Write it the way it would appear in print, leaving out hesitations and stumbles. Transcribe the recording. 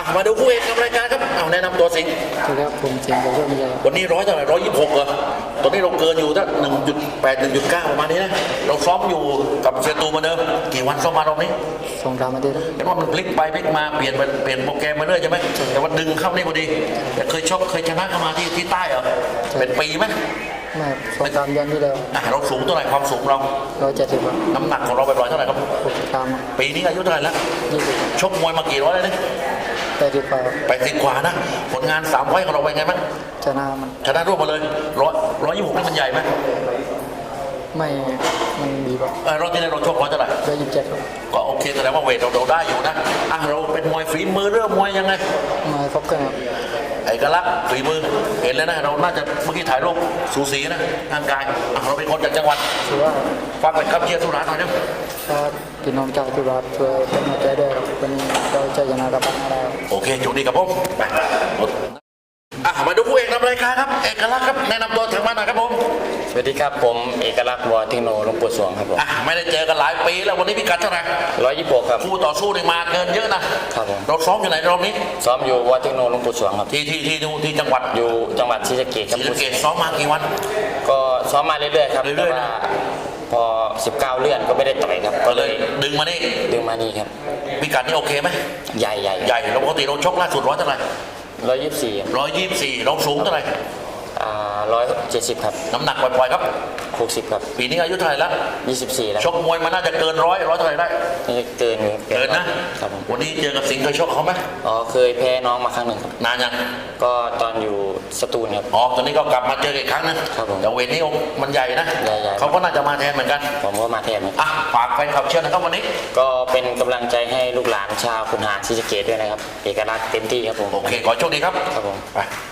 มาดูคู่เอกกับรายการครับเอาแนะนำตัวสิงห์สวัสดีครับผมเสียงจากเพื่อนไม่ใช่ครับวันนี้100เท่าไหร่126เหรอตอนนี้เราเกินอยู่ถ้า1.8 1.9ประมาณนี้นะเราซ้อมอยู่กับเซียตูมาเดิมกี่วันซ้อมมารอบนี้ 2-3 อาทิตย์ครับเห็นว่ามันพลิกไปพลิกมาเปลี่ยนโปรแกรมมาเรื่อยใช่ไหมแต่ว่าดึงเข้านี่พอดีแต่เคยชกเคยชนะเข้ามาที่ใต้เหรอเป็นปีไหมไม่ครับ2-3 เดือนที่แล้วเราสูงเท่าไหร่ความสูงเรา 170ครับน้ำหนักของเราไปปล่อยเท่าไหร่ครับ 63ครับปีนี้อายุเท่าไหร่แล้ว 20 ชกมวยมากี่ร้อยแล้วเนี่ย 80กว่าครับ 80 กว่านะผลงาน3 ไฟต์ของเราเป็นไงบ้างชนะมันชนะรวบมาเลย126นี่มันใหญ่ไหมไม่มันดีกว่ารอบที่แล้วเราชกร้อยเท่าไหร่ 127ครับก็โอเคแสดงว่าเวทเราได้อยู่นะเราเป็นมวยฝีมือเรื่องมวยยังไงมาครบเครื่องครับเอกลักษณ์ฝีมือเห็นแล้วนะเราน่าจะเมื่อกี้ถ่ายรูปสูสีนะร่างกายเราเป็นคนจากจังหวัดถือว่าฝากไปครับเชียร์สุราษฎร์หน่อยนะถ้าพี่น้องจากทุราชช่วยเป็นกำลังใจด้วยครับวันนี้เราจะชนะกับปังอะไรครับโอเคโชคดีครับผมไปมาดูคู่เอกนำรายการครับเอกลักษณ์ครับแนะนำตัวถึงมาหน่อยครับผมสวัสดีครับผมเอกลักษณ์วัวเทคโนหลวงปู่สวงครับผมไม่ได้เจอกันหลายปีแล้ววันนี้พิกัดเท่าไหร่ 126ครับคู่ต่อสู้นี่มาเกินเยอะนะครับผมเราซ้อมอยู่ไหนรอบนี้ซ้อมอยู่วัวเทคโนหลวงปู่สวงครับที่จังหวัดอยู่จังหวัดศรีสะเกษครับศรีสะเกษซ้อมมากี่วันก็ซ้อมมาเรื่อยๆครับเรื่แต่อยๆว่าพอ 19 เลื่อนก็ไม่ได้ต่อยครับก็ก็เลเลย ยดึงมานี่ดึงมานี่ครับพิกัดนี่โอเคไหมใหญ่ใหญ่ใหญ่เราปกติเราชกล่าสุดร้อยเท่าไหร่ 124 124เราสูงเท่าไหร่ 170ครับน้ำหนักปล่อยๆครับ 60ครับปีนี้อายุเท่าไหร่แล้ว 24แล้วชกมวยมันน่าจะเกินร้อยเท่าไหร่ได้นี่เกินอยู่เกินนะครับผมวันนี้เจอกับสิงห์เคยชกเขาไหมอ๋อเคยแพ้น้องมาครั้งหนึ่งครับนานยังก็ตอนอยู่สตูลครับตอนนี้ก็กลับมาเจออีกครั้งนึงครับผมแต่เวทนี้มันใหญ่นะใหญ่ๆเขาก็น่าจะมาแทนเหมือนกันผมก็มาแทนครับฝากแฟนคลับเชียร์นะครับวันนี้ก็เป็นกำลังใจให้ลูกหลานชาวขุนหารศรีสะเกษด้วยนะครับ เอกลักษณ์เต็มที่ครับผมโอเคขอโชคดีครับครับผมไป